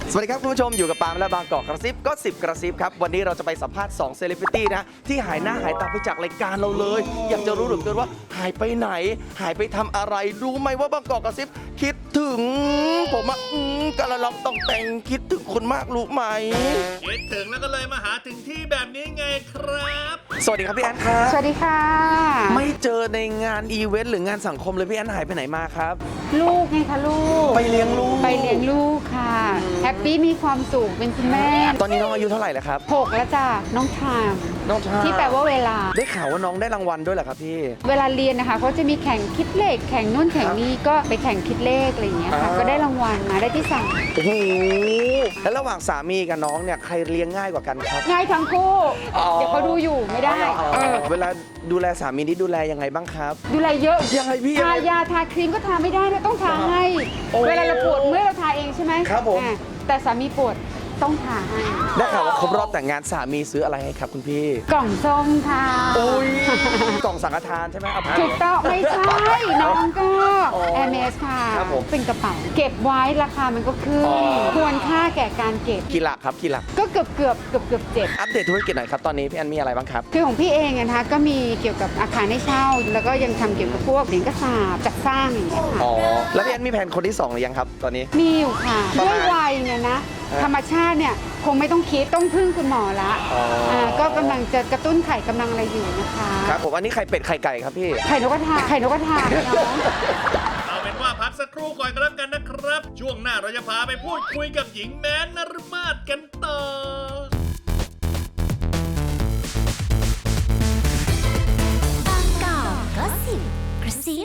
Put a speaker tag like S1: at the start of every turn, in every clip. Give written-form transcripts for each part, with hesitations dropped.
S1: สวัสดีครับคุณผู้ชมอยู่กับปาล์มและบางกอกกระซิบก็10กระซิบครับวันนี้เราจะไปสัมภาษณ์2เซเลบริตี้นะที่หายหน้าหายตาไปจากรายการเราเลยอยากจะรู้เหลือเกินว่าหายไปไหนหายไปทำอะไรรู้ไหมว่าบางกอกกระซิบคิดถึงผมอะกระลองต้องแต่งคิดถึงคุณมากรู้ไหม
S2: คิดถึงแล้วก็เลยมาหาถึงที่แบบนี้ไงครับ
S1: สวัสดีครับพี่แอนครับ
S3: สวัสดีค่ะ
S1: ไม่เจอในงานอีเวนต์หรืองานสังคมเลยพี่แอนหายไปไหนมาครับ
S3: ลูกไงคะลูก
S1: ไปเลี้ยงลูก
S3: ไปเลี้ยงลูกค่ะแฮปปี้มีความสุขเป็นคุณแม่
S1: ตอนนี้น้องอายุเท่าไหร่แล้วครับ
S3: 6แล้วจ้ะน้องไทม์
S1: น้องชา
S3: ที่แปลว่าเวลา
S1: ได้ข่าวว่าน้องได้รางวัลด้วยเหรอครับพี่
S3: เวลาเรียนนะคะเขาจะมีแข่งคิดเลขแข่งนู่นแข่งนี่ก็ไปแข่งคิดเลขอะไรอย่างเงี้ยค่ะก็ได้รางวัลมาได้ที่สั่ง
S1: โอ้โหแล้วระหว่างสามีกับน้องเนี่ยใครเลี้ยงง่ายกว่ากันครับ
S3: ง่ายทั้งคู่
S1: อ๋อ
S3: เดี๋ยวเขาดูอยู่ไม่ได้
S1: เวลาดูแลสามีนี่ดูแลยังไงบ้างครับ
S3: ดูแลเยอะ
S1: ยังไงพี่
S3: ทายาทาครีมก็ทาไม่ได้นะต้องทาให้
S1: โอ้
S3: เวลาเราปวดเมื่อยเราทาเองใช่ไหม
S1: ครับผม
S3: แต่สามีปวดต้องทาให้
S1: ได้ข่าวว่าครบรอบแต่งงานสามีซื้ออะไรให้ครับคุณพี่
S3: กล่องส้มค่ะ
S1: โอ้ยกล่องสังฆทานใช่ไหมครับ
S3: ถูกต้องไม่ใช่ น้องก็
S1: อ๋อ
S3: MS ค่ะ
S1: ครับผม
S3: เป็นกระเป๋าเก็บไว้ราคามันก็ขึ้น
S1: อ๋อ
S3: ควรค่าแก่การเก็บ
S1: กี่หลักครับกี่หลัก
S3: ก็เกือบเจ็ด
S1: อัปเดตธุรกิจหน่อยครับตอนนี้พี่แอนมีอะไรบ้างครับ
S3: คือของพี่เองอะนะคะก็มีเกี่ยวกับอาคารให้เช่า แล้วก็ยังทำเกี่ยวกับพวกเหรียญกระสาบจัดสร้างอย่างเงี้ยค่ะ
S1: อ๋อแล้วพี่แอนมีแผนคนที่2หรือยังครับตอนนี้
S3: มีอยู่ค่ะ
S1: ประ
S3: ด้
S1: มา
S3: วย
S1: ณ
S3: วัยเนี่ยนะ
S1: ฮะ
S3: ธรรมชาติเนี่ยคงไม่ต้องคิดต้องพึ่งคุณหมอละ
S1: อ๋ออ่
S3: ก็กำลังจะกระตุ้นไข่กำลังอะไรอยู่นะคะ
S1: ครับผมอันนี้ไข่เป็ดไข่ไก่ครับพี่
S3: ไข่นกกระทาน้อง
S2: เอาเป็นว่าพักสักครู่ก่อนก็แล้วกันนะครับ ช่วงหน้าเราจะพาไปพูดคุยกับหญิงแม้นนรมาศกันต่อ
S4: บางกอกก็สิบกระซิ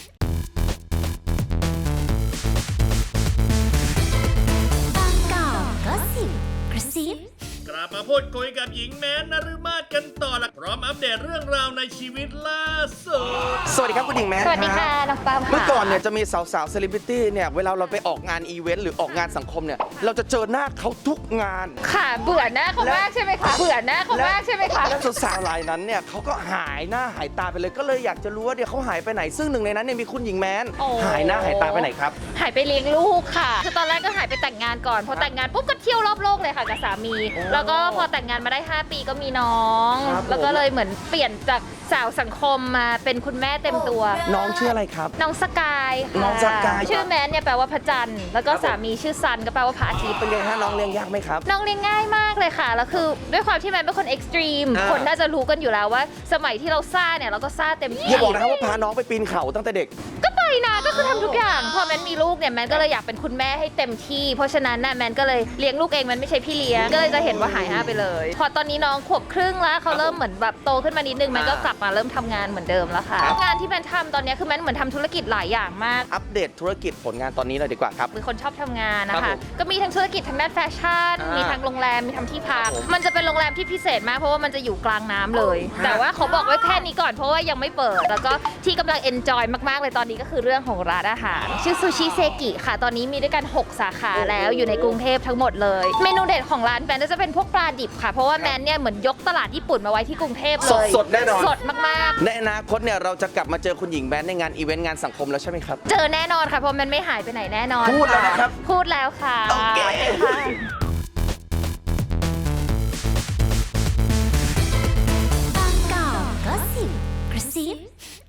S4: บางกอกก็สิบกระซิบ
S2: กลับมาพูดคุยกับหญิงแม้นนรมาศกันต่อละพร้อมอัปเดตเรื่องราวในชีวิตล่าสุด
S1: สวัสดีครับคุณหญิงแมน
S4: สวัสดีค่ะน้องปามค่ะ
S1: เมื่อก่อนเนี่ยจะมีสาวๆเซเลบริตี้เนี่ยเวลาเราไปออกงานอีเวนต์หรือออกงานสังคมเนี่ยเราจะเจอหน้าเขาทุกงาน
S4: ค่ะเบื่อหน้าเขามากใช่ไหมคะเบื่อหน้าเขามากใช่ไหมคะ
S1: และสาวๆรายนั้นเนี่ยเขาก็หายหน้าหายตาไปเลยก็เลยอยากจะรู้ว่าเดี๋ยวเขาหายไปไหนซึ่งหนึ่งในนั้นเนี่ยมีคุณหญิงแมน
S4: โอ้
S1: หายหน้าหายตาไปไหนครับ
S4: หายไปเลี้ยงลูกค่ะคือตอนแรกก็หายไปแต่งงานก่อนพอแต่งงานปุ๊บก็เที่ยวรอบโลกเลยค่ะกับสามี
S1: โอ้
S4: แล้วก็พอแต่งงานมาได้5 ปีก็มีน้อง
S1: ครับผม
S4: แล้วก็เลยเหมือนเปลี่ยนจากสาวสังคมมาเป็นคุณแม่เต็มตัว
S1: น้องชื่ออะไรครับ
S4: น้องสกายค่ะ
S1: น้องสกาย
S4: ชื่อแมนเนี่ยแปลว่าพระจันทร์แล้วก็สามีชื่อซันก็แปลว่าพระอาทิตย์
S1: เป็นไงฮะน้องเลี้ยงยากไหมครับ
S4: น้องเลี้ยงง่ายมากเลยค่ะ แล้วคือด้วยความที่แมนเป็นคนเอ็กซ์ตรีม
S1: อ่า
S4: คนน่าจะรู้กันอยู่แล้วว่า สมัยที่เราซ่าเนี่ยเราก็ซ่าเต็มที่
S1: อย่าบอกนะครับว่าพาน้องไปปีนเขาตั้งแต่เด็ก
S4: ก็ไปนะก็คือทำทุกอย่าง พอแมนมีลูกเนี่ยแมนก็เลยอยากเป็นคุณแม่ให้เต็มที่ เพราะฉะนั้นน่ะแมนก็เลยเลี้ยงลูกเองแมนไม่ใช่พี่เลี้ยง ก็เลยจะเห็นว่าหายหน้าไปเลย พอตอนนี้น้องขวบครึ่งแล้วเขาเริ่มเหมือนแบบโตขึ้นมานิดนึงแมนก็กลับมาเริ่มทำงานเหมือนเดิมแล้วค่ะ
S1: ครับ
S4: งานที่แมนทำตอนนี้คือแมนเหมือนทำธุรกิจหลายอย่างมาก
S1: อัปเดตธุรกิจผลงานตอนนี้เลยดีกว่าครับ
S4: เป็นคนชอบทำงานนะ
S1: ครั
S4: คะ
S1: บผม
S4: ก็มีทั้งธุรกิจทางด้านแฟชั่น มีทั้งโรงแรม มีทั้งที่พัก
S1: ครับผม
S4: มันจะเป็นโรงแรมที่พิเศษมากเพราะว่ามันจะอยู่กลางน้ำเลย
S1: ฮะ
S4: แต่ว่าขอบอกไว้แค่นี้ก่อนเพราะว่ายังไม่เปิด แล้วก็ที่กำลังเอนจอยมากๆเลยตอนนี้ก็คือเรื่องของร้านอาหาร ชื่อซูชิเซกิค่ะ ตอนนี้มีด้วยกัน 6 สาขาแล้วอยู่ในกรุงเทพทั้งหมดเลย เมนูเด็ดของร้านแมนก็จะเป็นพวกปลาดิบค่ะ เพราะว่าแมนเนี่ยเหมือนยกตลาดญี่ปุ่นมาไว้ที่กรุงเทพเลย
S1: สดๆแน่นอน
S4: สดมากๆ
S1: ในอนาคตเนี่ยเราจะกลับมาเจอคุณหญิงแมนในงานอีเวนต์งานสังคมแล้วใช่ไหมครับ
S4: เจอแน่นอนค่ะเพราะมันไม่หายไปไหนแน่นอน
S1: พูดแล้วนะครับ
S4: พูดแล้วค่ะ
S1: โอเค
S4: ค่ะ
S5: บางกอกก็สิบกระซิบ